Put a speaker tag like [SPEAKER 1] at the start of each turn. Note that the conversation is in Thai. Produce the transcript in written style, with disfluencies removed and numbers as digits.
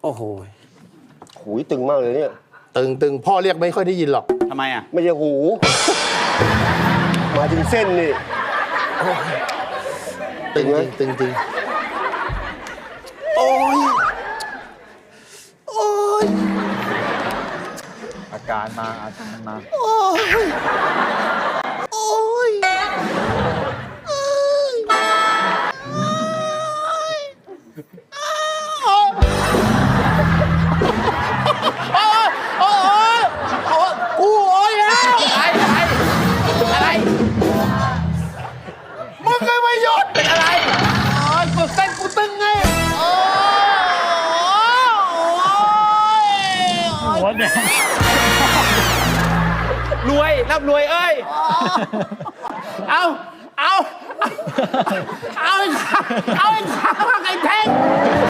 [SPEAKER 1] โอ้โห
[SPEAKER 2] หูยตึงมากเลยเนี่ย
[SPEAKER 3] ตึงพ่อเรียกไม่ค่อยได้ยินหรอก
[SPEAKER 1] ทำไมอ่ะ
[SPEAKER 2] ไม่ใช่หู มาถึงเส้นนี่
[SPEAKER 3] ตึงจริงตึงจริงโอ้ยโอ้ย
[SPEAKER 4] อาการมา
[SPEAKER 3] โอ้ยโอ้ยอะไรมึงเคยไม่หยุดเป็นอะไรกดเส้นกูตึงไง
[SPEAKER 4] หัวแดง
[SPEAKER 1] รวยร่ำรวยเอ้ย เอาไอ้ข้าวไอ้แท่ง